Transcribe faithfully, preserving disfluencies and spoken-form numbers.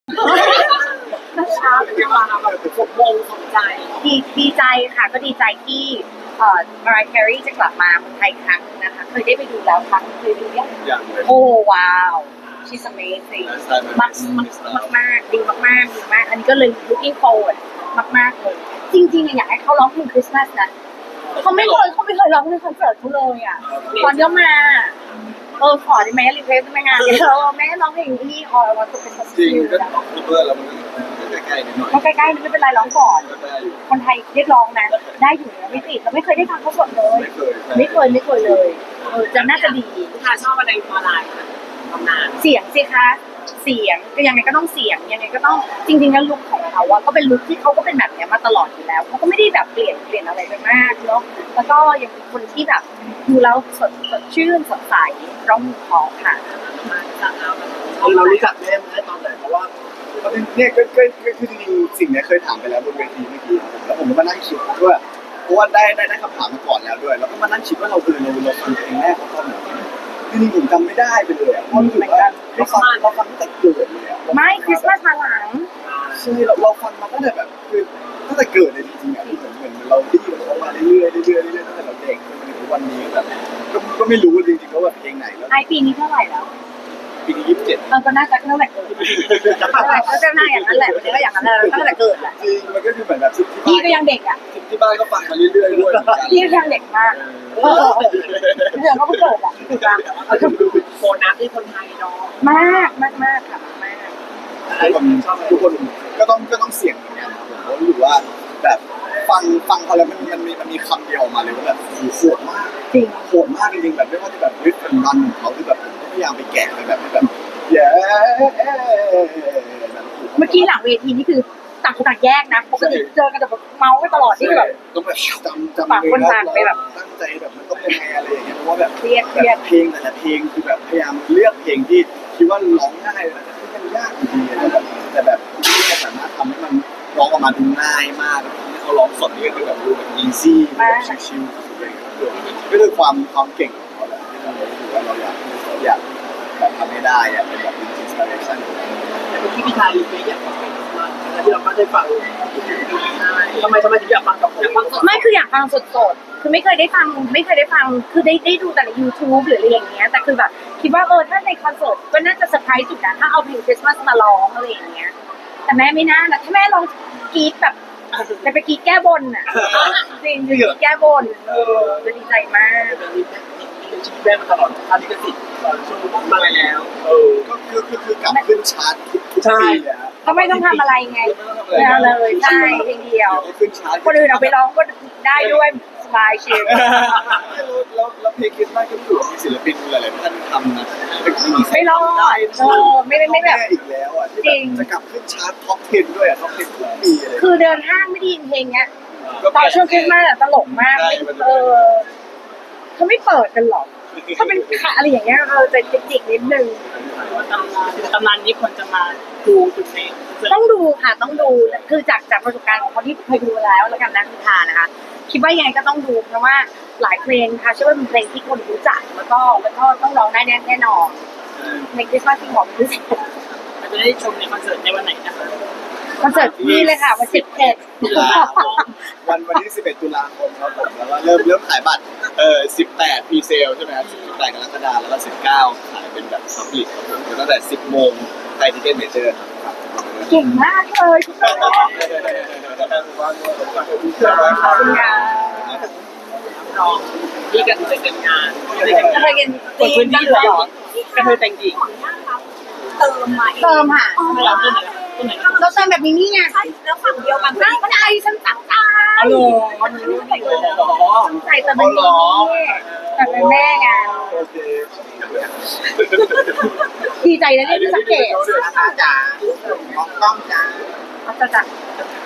เช้าเป็นวันแบบสมมงสนใจดีดีใจค่ะก็ดีใจที่เอ่อมารายแครีจะกลับมาเมืองไทยครั้งนึงนะคะเคยได้ไปดูแล้วครั้งเคยดูยังอย่างเลยโอ้ว้าว she's amazing มากมากมากดีมากมากดีมากอันนี้ก็เลย looking forward มากมากเลยจริงๆอยากให้เขาร้องเพลงคริสต์มาสนะเขาไม่เคยเขาไม่เคยร้องในคอนเสิร์ตเขาเลยอ่ะตอนเดียวมาเออขอได้ไหมรีเควสได้ไหมงานเออแม่ร้องเพลงนี่ออยว่าจะเป็นคอนเสิจริงร์ตก็คูเบอร์แล้วมันก็ใกล้ๆนิดหน่อยก็ใกล้ๆไม่เป็นไรร้องก่อนก็ได้อยู่คนไทยเรียกร้องนะได้อยู่นะไม่ติดเราไม่เคยได้ฟังเขาสดเลยไม่เคยไม่เคยไม่เคยเลยเออจะน่าจะดีค่ะชอบอะไรออนไลน์ค่ะตำนานเสียงสิคะเสียงก็ยังไงก็ต้องเสียงยังไงก็ต้องจริงๆแล้วลุคของเขาอะก็เป็นลุคที่เขาก็เป็นแบบนี้มาตลอดอยู่แล้วเขาก็ไม่ได้แบบเปลี่ยนเปลี่ยนอะไรไปมากเนาะแล้วก็ยังเป็นคนที่แบบดูแล้วสดสดชื่นสดใสร้องเพราะค่ะมาจากเราเรารู้จักแม่มาได้ตอนไหนเพราะว่าเนี่ยก็ก็ก็คือจริงๆสิ่งนี้เคยถามไปแล้วบนเวทีเมื่อกี้แล้วผมก็มานั่งคิดว่าเพราะว่าได้ได้ได้คำถามมาก่อนแล้วด้วยแล้วก็มานั่งคิดว่าเราคือเราเราฟังเพลงแรกของเขาเหมือนกันจริงๆผมจำไม่ได้ไปเลยอ่ะเพราะรู้สึกว่าเราฟังเราฟังตั้งแต่เกิดเลยอ่ะไม่คริสต์มาสมาหลังใช่เราเราฟังมาตั้งแต่แบบคือตั้งแต่เกิดเลยจริงๆอ่ะเหมือนเหมือนเราได้ยินเขามาเรื่อยๆเรื่อยๆเรื่อยๆตั้งแต่เราเด็กจนถึงวันนี้แบบก็ก็ไม่รู้จริงๆว่าแบบเพลงไหนแล้วไอปีนี้เท่าไหร่แล้วปีนี้ยี่สิบเจ็ดเออก็น่าจะเท่าไหร่เกิดก็จะน่าอย่างนั้นแหละวันนี้ก็อย่างนั้นแหละตั้งแต่เกิดแหละจริงมันก็คือเหมือนแบบที่พี่บ้านก็ยังเด็กอ่ะที่บ้านก็ฟังมาเรื่อยๆด้วยเหมือนกันพี่ก็ยังเด็กมากเออเดี๋ยวก็เพิ่งเกิดอ่ะถูกปะโบนัสที่คนไทยเนาะมากมากมากค่ะมากทุกคนทุกคนก็ต้องก็ต้องเสี่ยงเหมือนกันผมรู้สึกว่าแบบฟังฟังเขาแล้วมันมันมีมันมีคำเดียวออกมาเลยว่าแบบโหดมากจริงโหดมากจริงๆแบบไม่ว่าจะแบบริทเป็นรันของเขาที่แบบพยายามไปแกะไปแบบแบบเย้เมื่อกี้หลังเวทีนี่คือต่างคนต่างแยกนะปกติเจอกันแต่แบบเมาส์กันตลอดที่แบบต้องแบบจำจำต่างคนต่างไปแบบตั้งใจแบบมันต้องยังไงอะไรอย่างเงี้ยเพราะว่าแบบเครียดเคแบรียดบเพลงแต่ละเพลงคือแบบพยายามเลือกเพลงที่คิดว่าร้องง่ายแต่ที่มันยากจริงๆแต่แบบแต่แบบที่จะสามารถทำให้มันร้องออกมาดูง่ายมากแล้วที่เขาร้องสดนี่ก็คือแบบดูแบบอีซี่แบบชิลๆเลยก็คือความความเก่งของเขาแหละที่เรารู้สึกว่าเราอยากอยากแบบทำให้ได้อะเป็นแบบอินสปิเรชันที่พี่ชายรีเควสอยากฟังเพลงมาที่เราไม่ได้ฟังทำไมทำไมถึงอยากฟังกับอยากฟังไม่คืออยากฟังสดๆคือไม่เคยได้ฟังไม่เคยได้ฟังคือได้ได้ดูแต่ใน YouTube หรืออะไรอย่างเงี้ยแต่คือแบบคิดว่าเออถ้าในคอนเสิร์ตก็น่าจะเซอร์ไพรส์สุดนะถ้าเอาเพลงคริสต์มาสมาร้องอะไรอย่างเงี้ยแต่แม่ไม่น่านะถ้าแม่ลองกรี๊ดแบบจะไปกรี๊ดแก้บนอ่ะจริงคือกรี๊ดแก้บนเออจะดีใจมากชีวิตแม่มาตลอดค่าลิขสิทธิ์ตอนช่วงมาแล้วเออก็คือคือคือกลับขึ้นชาร์ตทุกทุกปีเลยครับก็ไม่ต้องทำอะไรไงไม่เอาเลยใช่เพลงเดียวขึ้นชาร์ตคนอื่นเอาไปร้องก็ได้ด้วยสบายชิลแล้วแล้วเพลงคริสต์มาสก็ถือว่ามีศิลปินหลายๆท่านทำนะแต่ไม่มีใครไม่รอดเออไม่ไม่ไม่แบบอีกแล้วอ่ะที่แบบจะกลับขึ้นชาร์ตท็อปสิบด้วยอ่ะท็อปสิบทุกปีเลยคือเดินห้างไม่ได้ยินเพลงเนี้ยตอนช่วงคริสต์มาสอะตลกมากเออเขาไม่เปิดกันหรอกถ้าเป็นขาอะไรอย่างเงี้ยเออจะจิกๆนิดนึงตำนานตำนานนี้คนจะมาดูจุดนี้ต้องดูค่ะต้องดูคือจากจากประสบการณ์ของคนที่เคยดูแล้วแล้วกันนะคุณทานะคะคิดว่ายังไงก็ต้องดูเพราะว่าหลายเพลงค่ะเชื่อว่าเป็นเพลงที่คนรู้จักแล้วก็แล้วก็ต้องร้องได้แน่แน่นอนในคริสต์มาสที่บอกคือเราจะได้ชมในคอนเสิร์ตในวันไหนนะคะคอนเสิร์ตนี่เลยค่ะวันสิบเอ็ดตุลาวันวันที่สิบเอ็ดตุลาคมครับผมแล้วก็เริ่มเริ่มขายบัตรเอ่อสิบแปดพรีเซลใช่ไหมครับสิบแปดกรกฎาคมแล้วก็สิบเก้าขายเป็นแบบซับลิตครับผมตั้งแต่สิบโมงไทยทิเก็ตเมเจอร์ครับเก่งมากเลยคุณน้องขอบคุณค่ะรองที่กันจะเป็นงานจะไปกินเปิดพื้นที่เหรอกระเทยแต่งหญิงเติมมาเติมค่ะไม่รับตัวไหนตัวไหนเราเติมแบบนี้นี่ไงใช่แล้วฝั่งเดียวกันตั้งใจฉันตั้งใจอ๋อเหรอมันรู้ได้เลยเหรอตั้งใจแต่เป็นนี้แต่เป็นแม่ไงโอเคดีใจนะเนี่ยที่สังเกตจ๋าจ๋าน้องต้องจ๋าเขาจะจัด